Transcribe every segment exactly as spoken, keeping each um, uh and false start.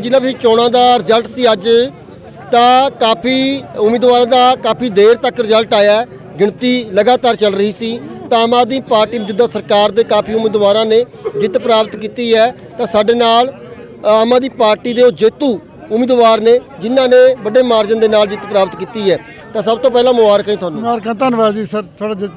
ਜ਼ਿਲ੍ਹਾ ਵਿੱਚ ਚੋਣਾਂ ਦਾ ਰਿਜ਼ਲਟ ਸੀ ਅੱਜ ਤਾਂ ਕਾਫੀ ਉਮੀਦਵਾਰਾਂ ਦਾ ਕਾਫੀ ਦੇਰ ਤੱਕ ਰਿਜ਼ਲਟ ਆਇਆ। ਗਿਣਤੀ ਲਗਾਤਾਰ ਚੱਲ ਰਹੀ ਸੀ ਤਾਂ ਆਮ ਆਦਮੀ ਪਾਰਟੀ ਮੌਜੂਦਾ ਸਰਕਾਰ ਦੇ ਕਾਫੀ ਉਮੀਦਵਾਰਾਂ ਨੇ ਜਿੱਤ ਪ੍ਰਾਪਤ ਕੀਤੀ ਹੈ। ਤਾਂ ਸਾਡੇ ਨਾਲ ਆਮ ਆਦਮੀ ਪਾਰਟੀ ਦੇ ਉਹ ਜੇਤੂ ਉਮੀਦਵਾਰ ਨੇ ਜਿਨ੍ਹਾਂ ਨੇ ਵੱਡੇ ਮਾਰਜਨ ਦੇ ਨਾਲ ਜਿੱਤ ਪ੍ਰਾਪਤ ਕੀਤੀ ਹੈ। ਤਾਂ ਸਭ ਤੋਂ ਪਹਿਲਾਂ ਮੁਬਾਰਕਾਂ ਜੀ ਤੁਹਾਨੂੰ। ਮੁਬਾਰਕਾਂ, ਧੰਨਵਾਦ ਜੀ ਸਰ। ਥੋੜਾ ਜਿਹਾ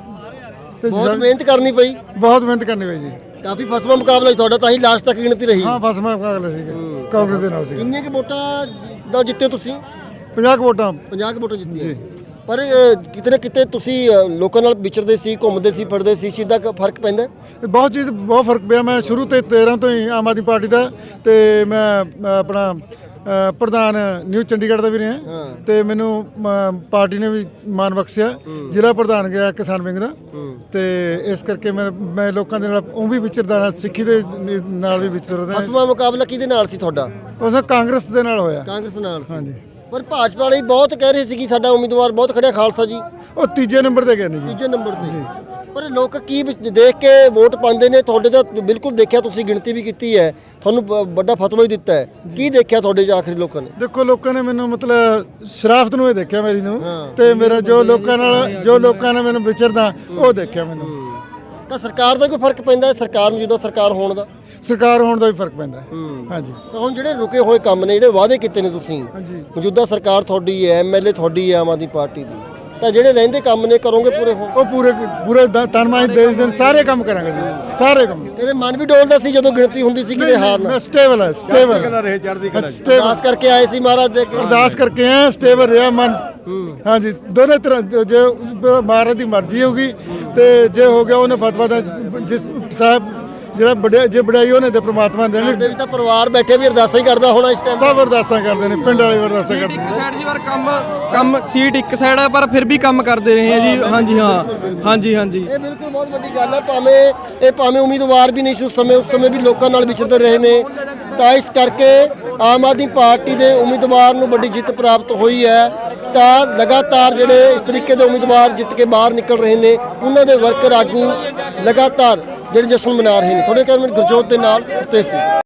ਬਹੁਤ ਮਿਹਨਤ ਕਰਨੀ ਪਈ, ਬਹੁਤ ਮਿਹਨਤ ਕਰਨੀ ਪਈ ਜੀ। ਕਾਫੀ ਫਸਵਾ ਮੁਕਾਬਲਾ ਸੀ ਤੁਹਾਡਾ, ਤਾਂ ਹੀ ਲਾਸਟ ਤੱਕ ਗਿਣਤੀ ਰਹੀ। ਹਾਂ, ਫਸਵਾ ਮੁਕਾਬਲਾ ਸੀਗਾ ਕਾਂਗਰਸ ਦੇ ਨਾਲ ਸੀ। ਕਿੰਨੀਆਂ ਕਿ ਵੋਟਾਂ ਦਾ ਜਿੱਤੇ ਤੁਸੀਂ? ਪੰਜਾਹ ਕੁ ਵੋਟਾਂ ਪੰਜਾਹ ਕੁ ਵੋਟਾਂ ਜਿੱਤੀਆਂ। ਪਰ ਅ, ਕਿਤੇ ਨਾ ਕਿਤੇ ਤੁਸੀਂ ਅ, ਲੋਕਾਂ ਨਾਲ ਵਿਚਰਦੇ ਸੀ, ਘੁੰਮਦੇ ਸੀ, ਫਿਰਦੇ ਸੀ, ਸਿੱਧਾ ਫਰਕ ਪੈਂਦਾ? ਬਹੁਤ ਚੀਜ਼ ਬਹੁਤ ਫਰਕ ਪਿਆ। ਮੈਂ ਸ਼ੁਰੂ ਤੋਂ ਤੇਰ੍ਹਾਂ ਤੋਂ ਹੀ ਆਮ ਆਦਮੀ ਪਾਰਟੀ ਦਾ ਤੇ ਮੈਂ ਅ, ਆਪਣਾ ਅ, ਪ੍ਰਧਾਨ ਨਿਊ ਚੰਡੀਗੜ੍ਹ ਦਾ ਵੀ ਰਿਹਾ ਤੇ ਮੈਨੂੰ ਮ, ਪਾਰਟੀ ਨੇ ਵੀ ਮਾਣ ਬਖਸ਼ਿਆ। ਜ਼ਿਲ੍ਹਾ ਪ੍ਰਧਾਨ ਗਿਆ ਕਿਸਾਨ ਵਿੰਗ ਦਾ ਤੇ ਇਸ ਕਰਕੇ ਮੈਂ ਮੈਂ ਲੋਕਾਂ ਦੇ ਨਾਲ ਉਹ ਵੀ ਵਿਚਰਦਾ ਰਿਹਾ, ਸਿੱਖੀ ਦੇ ਨਾਲ ਵੀ ਵਿਚਰਦਾ। ਫਸਵਾ ਮੁਕਾਬਲਾ ਕਿਹਦੇ ਨਾਲ ਸੀ ਤੁਹਾਡਾ? ਉਸ ਕਾਂਗਰਸ ਦੇ ਨਾਲ ਹੋਇਆ। ਕਾਂਗਰਸ ਨਾਲ ਸੀ। ਹਾਂਜੀ। ਪਰ ਭਾਜਪਾ ਵਾਲੇ ਬਹੁਤ ਕਹਿ ਰਹੇ ਸੀ ਕਿ ਸਾਡਾ ਉਮੀਦਵਾਰ ਬਹੁਤ ਖੜਿਆ ਖਾਲਸਾ ਜੀ। ਉਹ ਤੀਜੇ ਨੰਬਰ ਤੇ ਗਏ ਨੇ ਜੀ। ਤੀਜੇ ਨੰਬਰ ਤੇ। ਪਰ ਲੋਕ ਕੀ ਵਿਚ- ਦੇਖ ਕੇ ਵੋਟ ਪਾਉਂਦੇ ਨੇ? ਤੁਹਾਡੇ ਤਾਂ ਬਿਲਕੁਲ ਦੇਖਿਆ, ਤੁਸੀਂ ਗਿਣਤੀ ਵੀ ਕੀਤੀ ਹੈ, ਤੁਹਾਨੂੰ ਬ- ਵੱਡਾ ਫਤਵਾ ਵੀ ਦਿੱਤਾ ਹੈ। ਕੀ ਦੇਖਿਆ ਤੁਹਾਡੇ 'ਚ ਆਖਰੀ ਲੋਕਾਂ ਨੇ? ਦੇਖੋ, ਲੋਕਾਂ ਨੇ ਮੈਨੂੰ ਮਤਲਬ ਸ਼ਰਾਫਤ ਨੂੰ ਇਹ ਦੇਖਿਆ ਮੇਰੀ ਨੂੰ ਤੇ ਮੇਰਾ ਜੋ ਲੋਕਾਂ ਨਾਲ ਜੋ ਲੋਕਾਂ ਨੇ ਮੈਨੂੰ ਵਿਚਰਦਾ ਉਹ ਦੇਖਿਆ ਮੈਨੂੰ। ਤਾਂ ਸਰਕਾਰ ਦਾ ਕੋਈ ਫਰਕ ਪੈਂਦਾ ਹੈ? ਸਰਕਾਰ ਨੂੰ ਜਦੋਂ ਸਰਕਾਰ ਹੋਣ ਦਾ ਸਰਕਾਰ ਹੋਣ ਦਾ ਵੀ ਫਰਕ ਪੈਂਦਾ ਹੈ। ਹਾਂਜੀ। ਤਾਂ ਹੁਣ ਜਿਹੜੇ ਰੁਕੇ ਹੋਏ ਕੰਮ ਨੇ, ਜਿਹੜੇ ਵਾਅਦੇ ਕੀਤੇ ਨੇ ਤੁਸੀਂ, ਹਾਂਜੀ। ਮੌਜੂਦਾ ਸਰਕਾਰ ਤੁਹਾਡੀ ਹੈ, ਐਮਐਲਏ ਤੁਹਾਡੀ ਹੈ ਆਮ ਆਦਮੀ ਪਾਰਟੀ ਦੀ, ਤਾਂ ਜਿਹੜੇ ਰਹਿੰਦੇ ਕੰਮ ਨੇ ਕਰੋਗੇ ਪੂਰੇ? ਹੋ ਉਹ ਪੂਰੇ ਪੂਰੇ ਤਨਮਾਈ ਦੇ ਦੇਣ, ਸਾਰੇ ਕੰਮ ਕਰਾਂਗੇ ਜੀ, ਸਾਰੇ ਕੰਮ। ਕਹਿੰਦੇ ਮਨ ਵੀ ਡੋਲਦਾ ਸੀ ਜਦੋਂ ਗਿਣਤੀ ਹੁੰਦੀ ਸੀ ਕਿਤੇ ਹਾਰ ਨਾ। ਮੈਂ ਸਟੇਬਲ ਹੈ, ਸਟੇਬਲ ਰਹੇ ਚੜ੍ਹਦੀ ਕਲਾ। ਅਰਦਾਸ ਕਰਕੇ ਆਏ ਸੀ ਮਹਾਰਾਜ ਦੇ ਅੱਗੇ। ਅਰਦਾਸ ਕਰਕੇ ਆਇਆ, ਸਟੇਬਲ ਰਿਹਾ ਮਨ। ਹਾਂਜੀ, ਦੋਨੇ ਤਰ੍ਹਾਂ ਜੇ ਮਹਾਰਾਜ ਦੀ ਮਰਜ਼ੀ ਹੋਗੀ ਤੇ ਜੇ ਹੋ ਗਿਆ ਉਹਨੇ ਫਤਵਾ ਦਾ ਜਿਸ ਸਾਹਿਬ ਜਿਹੜਾ ਵੱਡਿਆ ਜੇ ਵਡਿਆਈ ਉਹਨੇ ਤੇ ਪ੍ਰਮਾਤਮਾ ਦੇ ਨੇ। ਸਾਡੇ ਵੀ ਤਾਂ ਪਰਿਵਾਰ ਬੈਠੇ ਵੀ ਅਰਦਾਸਾਂ ਹੀ ਕਰਦਾ ਹੋਣਾ ਇਸ ਟਾਈਮ। ਸਭ ਅਰਦਾਸਾਂ ਕਰਦੇ ਨੇ, ਪਿੰਡ ਵਾਲੇ ਅਰਦਾਸਾਂ ਕਰਦੇ ਇੱਕ ਨੇ। ਸਾਈਡ ਜੀ ਪਰ ਕੰਮ ਕੰਮ ਸੀਟ ਇੱਕ ਸਾਈਡ ਹੈ ਪਰ ਫਿਰ ਵੀ ਕੰਮ ਕਰਦੇ ਰਹੇ ਆ ਜੀ। ਹਾਂਜੀ ਹਾਂ, ਹਾਂਜੀ ਹਾਂਜੀ। ਇਹ ਬਿਲਕੁਲ ਬਹੁਤ ਵੱਡੀ ਗੱਲ ਹੈ। ਭਾਵੇਂ ਇਹ ਭਾਵੇਂ ਉਮੀਦਵਾਰ ਵੀ ਨਹੀਂ ਸੀ ਉਸ ਸਮੇਂ, ਉਸ ਸਮੇਂ ਵੀ ਲੋਕਾਂ ਨਾਲ ਵਿਚਰਦੇ ਰਹੇ ਨੇ। ਤਾਂ ਇਸ ਕਰਕੇ ਆਮ ਆਦਮੀ ਪਾਰਟੀ ਦੇ ਉਮੀਦਵਾਰ ਨੂੰ ਵੱਡੀ ਜਿੱਤ ਪ੍ਰਾਪਤ ਹੋਈ ਹੈ। ਤਾਂ ਲਗਾਤਾਰ ਜਿਹੜੇ ਇਸ ਤਰੀਕੇ ਦੇ ਉਮੀਦਵਾਰ ਜਿੱਤ ਕੇ ਬਾਹਰ ਨਿਕਲ ਰਹੇ ਨੇ, ਉਹਨਾਂ ਦੇ ਵਰਕਰ ਆਗੂ ਲਗਾਤਾਰ ਜਿਹੜੇ ਜਸ਼ਨ ਮਨਾ ਰਹੇ ਨੇ। ਤੁਹਾਡੇ ਕੈਮਰੇ ਗੁਰਜੋਤ ਦੇ ਨਾਲ ਤੇ ਸੀ।